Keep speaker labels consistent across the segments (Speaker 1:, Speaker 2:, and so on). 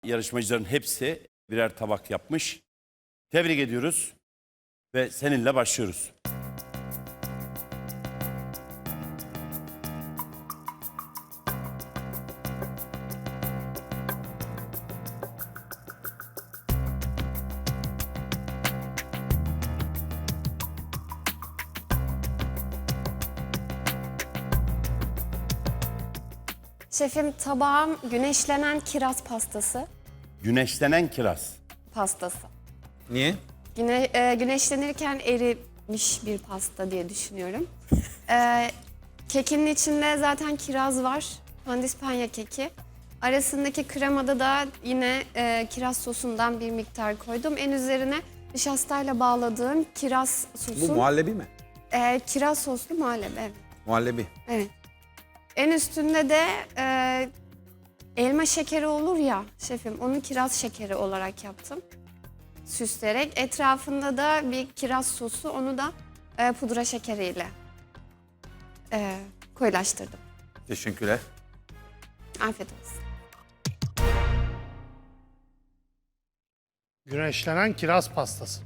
Speaker 1: Yarışmacıların hepsi birer tabak yapmış. Tebrik ediyoruz ve seninle başlıyoruz.
Speaker 2: Şefim, tabağım güneşlenen kiraz
Speaker 1: Güneşlenen kiraz.
Speaker 2: pastası.
Speaker 3: Niye?
Speaker 2: Güneşlenirken erimiş bir pasta diye düşünüyorum. Kekinin içinde zaten kiraz var. Pandispanya keki. Arasındaki kremada da yine kiraz sosundan bir miktar koydum. En üzerine nişastayla bağladığım kiraz
Speaker 3: Bu
Speaker 2: sosu.
Speaker 3: muhallebi mi?
Speaker 2: Kiraz soslu muhallebi, evet.
Speaker 3: Muhallebi.
Speaker 2: Evet. En üstünde de elma şekeri olur ya şefim, onu kiraz şekeri olarak yaptım. Süsleyerek. Etrafında da bir kiraz sosu, onu da pudra şekeriyle koyulaştırdım.
Speaker 3: Teşekkürler.
Speaker 2: Afiyet olsun.
Speaker 4: Güneşlenen kiraz pastası.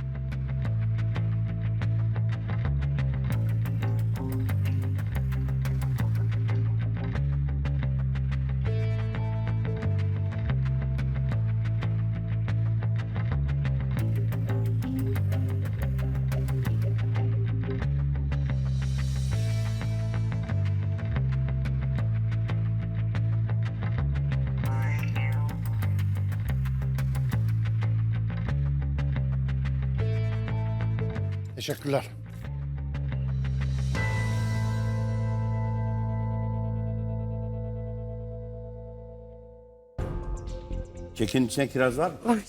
Speaker 4: Teşekkürler.
Speaker 1: Kekin içine kiraz var mı?
Speaker 2: Var.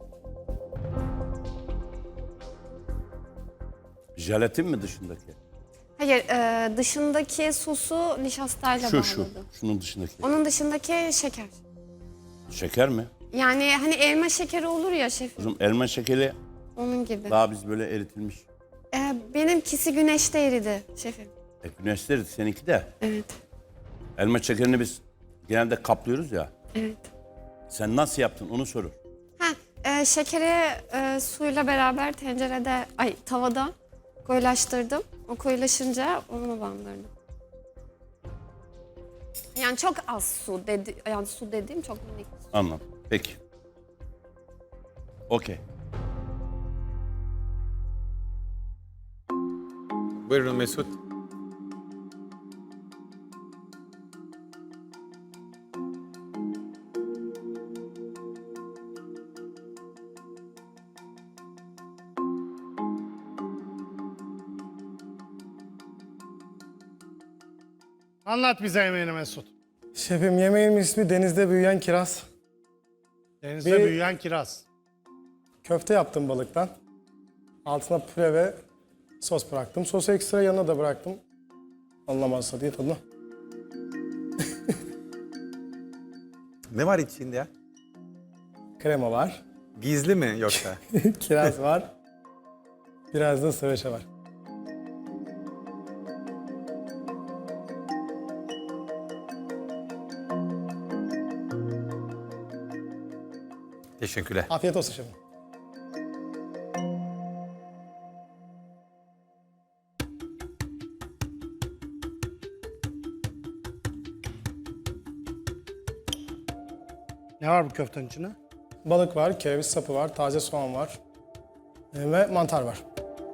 Speaker 1: Jelatin mi dışındaki?
Speaker 2: Hayır, dışındaki sosu nişastayla
Speaker 1: Şu.
Speaker 2: bağladım.
Speaker 1: Şunun dışındaki.
Speaker 2: Onun dışındaki şeker.
Speaker 1: Şeker mi?
Speaker 2: Yani hani elma şekeri olur ya şefim,
Speaker 1: Kızım elma şekeri
Speaker 2: onun gibi.
Speaker 1: daha biz böyle eritilmiş.
Speaker 2: Benimkisi güneşte eridi şefim.
Speaker 1: Güneşte eridi, seninki de.
Speaker 2: Evet,
Speaker 1: Elma şekerini biz genelde kaplıyoruz ya.
Speaker 2: evet.
Speaker 1: Sen nasıl yaptın onu sorur.
Speaker 2: Şekeri suyla beraber tencerede, tavada koyulaştırdım. O koyulaşınca onu bandırdım. Yani çok az su dediğim çok minik.
Speaker 1: Anladım. Peki. Okey.
Speaker 3: Buyurun Mesut.
Speaker 4: Anlat bize yemeğini Mesut.
Speaker 5: Şefim, yemeğimin ismi denizde büyüyen kiraz.
Speaker 4: Denizde
Speaker 5: Bir-
Speaker 4: büyüyen kiraz.
Speaker 5: Köfte yaptım balıktan. Altına püre ve sos bıraktım. Sosu ekstra yanına da bıraktım. Anlamazsa diye tadına.
Speaker 3: Ne var içinde ya?
Speaker 5: Krema var.
Speaker 3: Gizli mi yoksa?
Speaker 5: Kiraz var. Biraz da sıvışa var.
Speaker 3: Teşekkürler.
Speaker 5: Afiyet olsun şefim.
Speaker 4: Ne var bu köftenin içinde?
Speaker 5: Balık var, kereviz sapı var, taze soğan var. Ve mantar var.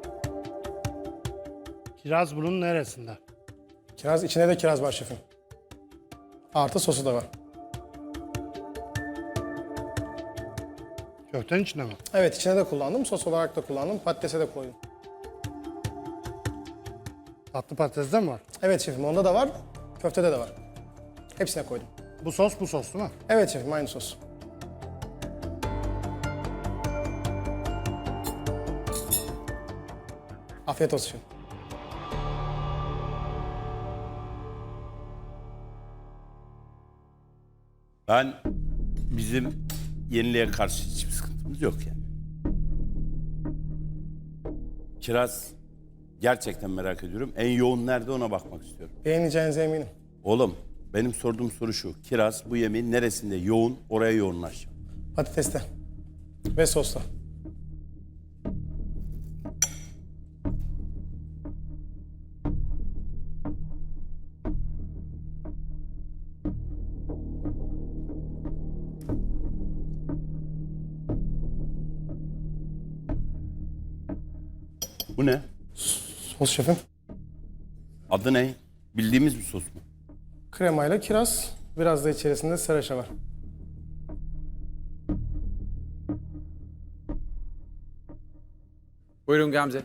Speaker 4: Kiraz bunun neresinde?
Speaker 5: Kiraz, içine de kiraz var şefim. Artı sosu da var.
Speaker 4: Köftenin içinde mi?
Speaker 5: Evet, içine de kullandım. Sos olarak da kullandım. Patatese de koydum.
Speaker 4: Tatlı patates de mi var?
Speaker 5: Evet şefim, onda da var. Köftede de var. Hepsine koydum.
Speaker 4: Bu sos değil mi?
Speaker 5: Evet şefim, aynı sos. Afiyet olsun şefim.
Speaker 1: Ben bizim yeniliğe karşı hiçbir sıkıntımız yok yani. Kiraz gerçekten merak ediyorum. En yoğun nerede ona bakmak istiyorum.
Speaker 5: Beğeneceğinize eminim.
Speaker 1: Oğlum Benim sorduğum soru şu. Kiraz bu yemeğin neresinde yoğun, oraya yoğunlaş.
Speaker 5: Patateste ve sosla.
Speaker 1: Bu ne?
Speaker 5: Sos şefim.
Speaker 1: Adı ne? Bildiğimiz bir sos mu?
Speaker 5: Kremayla kiraz. Biraz da içerisinde sriracha var.
Speaker 3: Buyurun Gamze.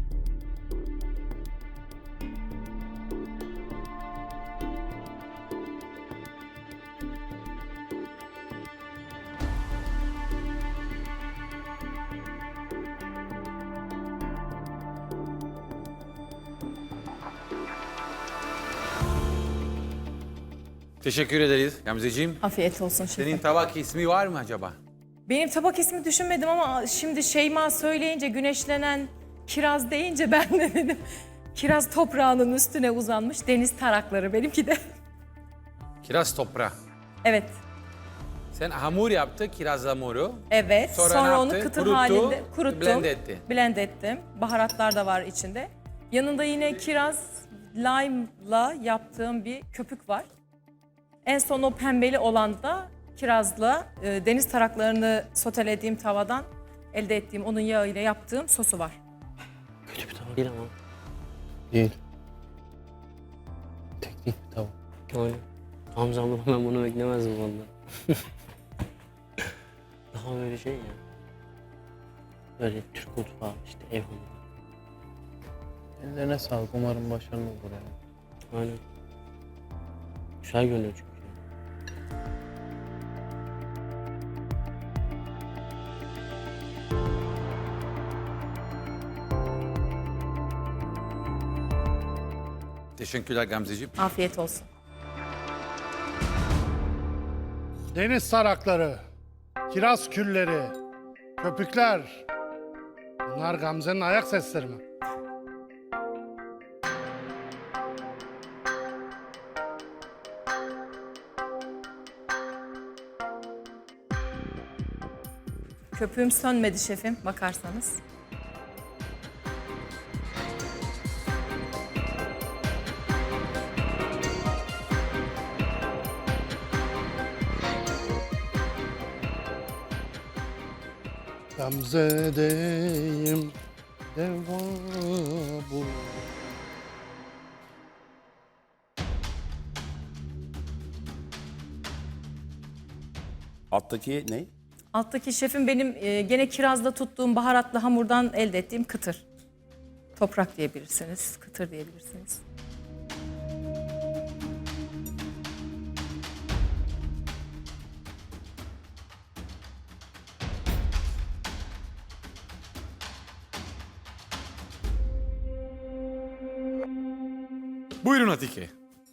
Speaker 3: Teşekkür ederiz Gamzeciğim.
Speaker 6: Afiyet olsun şefim.
Speaker 3: Senin tabak ismi var mı acaba?
Speaker 6: Benim tabak ismi düşünmedim ama şimdi Şeyma söyleyince, güneşlenen kiraz deyince ben de dedim. Kiraz toprağının üstüne uzanmış deniz tarakları benimki de.
Speaker 3: Kiraz toprağı.
Speaker 6: Evet,
Speaker 3: Sen hamur yaptı, kiraz hamuru.
Speaker 6: evet.
Speaker 3: Sonra ne
Speaker 6: Sonra onu
Speaker 3: yaptı?
Speaker 6: kıtır
Speaker 3: Kuruttu,
Speaker 6: halinde kuruttum.
Speaker 3: blend etti.
Speaker 6: Blend ettim. Baharatlar da var içinde. Yanında yine kiraz lime'la yaptığım bir köpük var. En son o pembeli olan da kirazla deniz taraklarını sotelediğim tavadan elde ettiğim onun yağıyla yaptığım sosu var.
Speaker 7: Kötü bir tavuk değil ama. Değil. Teknik bir tavuk. Aynen. Hamza abla ben bunu beklemezdim valla. Daha böyle şey ya. Böyle Türk mutfağı işte ev hanımı.
Speaker 8: Ellerine sağlık. Umarım başarılı olur yani.
Speaker 7: Aynen. Güzel görünüyor çünkü.
Speaker 3: Teşekkürler Gamzeciğim.
Speaker 6: Afiyet olsun.
Speaker 4: Deniz tarakları, kiraz külleri, köpükler. Bunlar Gamze'nin ayak sesleri mi?
Speaker 6: Köpüğüm sönmedi şefim bakarsanız.
Speaker 4: Gamze'deyim, deva bu.
Speaker 1: Alttaki ne?
Speaker 6: Alttaki şefim benim gene kirazda tuttuğum baharatlı hamurdan elde ettiğim kıtır. Toprak diyebilirsiniz, kıtır diyebilirsiniz.
Speaker 3: Buyurun Atike.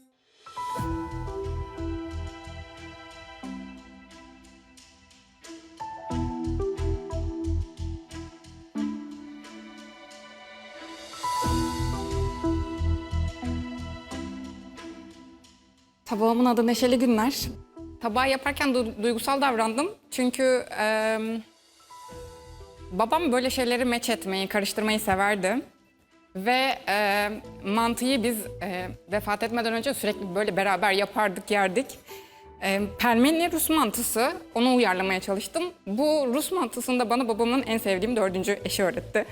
Speaker 9: Tabağımın adı Neşeli Günler. Tabağı yaparken duygusal davrandım. Çünkü babam böyle şeyleri meç etmeyi, karıştırmayı severdi. Ve mantıyı biz vefat etmeden önce sürekli böyle beraber yapardık, yerdik. Pelmeni Rus mantısı, onu uyarlamaya çalıştım. Bu Rus mantısını da bana babamın en sevdiğim 4. eşi öğretti.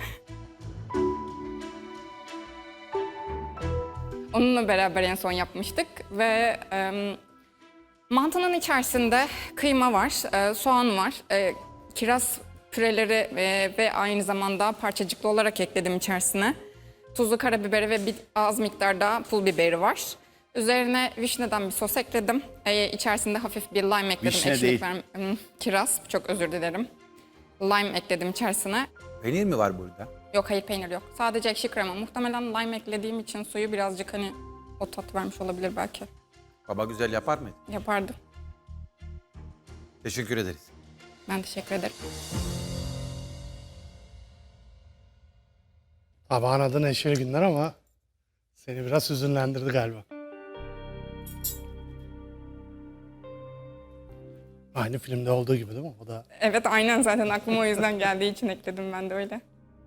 Speaker 9: Onunla beraber en son yapmıştık ve mantının içerisinde kıyma var, soğan var, kiraz püreleri ve aynı zamanda parçacıklı olarak ekledim içerisine. Tuzlu karabiberi ve bir az miktarda pul biberi var. Üzerine vişneden bir sos ekledim. İçerisinde hafif bir lime ekledim.
Speaker 1: Vişne
Speaker 9: Ekşilik
Speaker 1: değil.
Speaker 9: kiraz, çok özür dilerim. Lime ekledim içerisine.
Speaker 3: Peynir mi var burada?
Speaker 9: Yok, hayır, peynir yok. Sadece ekşi krema. Muhtemelen lime eklediğim için suyu birazcık hani o tat vermiş olabilir belki.
Speaker 3: Baba güzel yapar mı?
Speaker 9: Yapardı.
Speaker 3: Teşekkür ederiz.
Speaker 9: Ben teşekkür ederim.
Speaker 4: Tabağın adı Neşeli Günler ama seni biraz hüzünlendirdi galiba. Aynı filmde olduğu gibi değil mi? O da
Speaker 9: Evet, aynen, zaten aklıma o yüzden geldiği için ekledim ben de öyle.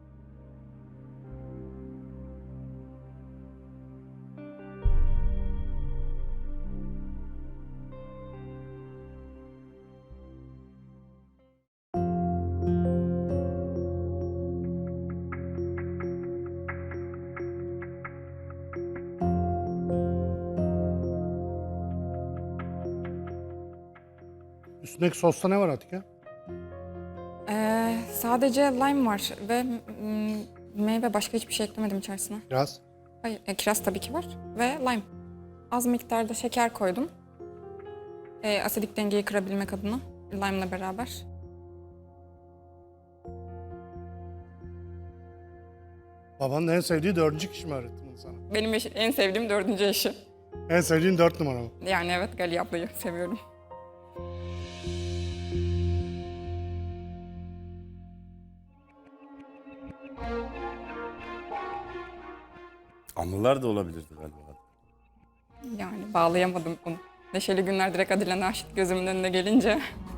Speaker 4: üstündeki sosta ne var Atike?
Speaker 9: Sadece lime var ve meyve, başka hiçbir şey eklemedim içerisine.
Speaker 4: Kiraz.
Speaker 9: Hayır, kiraz tabii ki var ve lime. Az miktarda şeker koydum. Asidik dengeyi kırabilmek adına lime'la beraber.
Speaker 4: Babanın en sevdiği 4. kişi mi öğretti bunu sana?
Speaker 9: Benim en sevdiğim 4. eşi.
Speaker 4: En sevdiğin 4 numara mı?
Speaker 9: Yani evet, Gali ablayı seviyorum.
Speaker 1: Anılar da olabilirdi galiba.
Speaker 9: Yani bağlayamadım bunu. Neşeli günler direkt Adile Naşit gözümün önüne gelince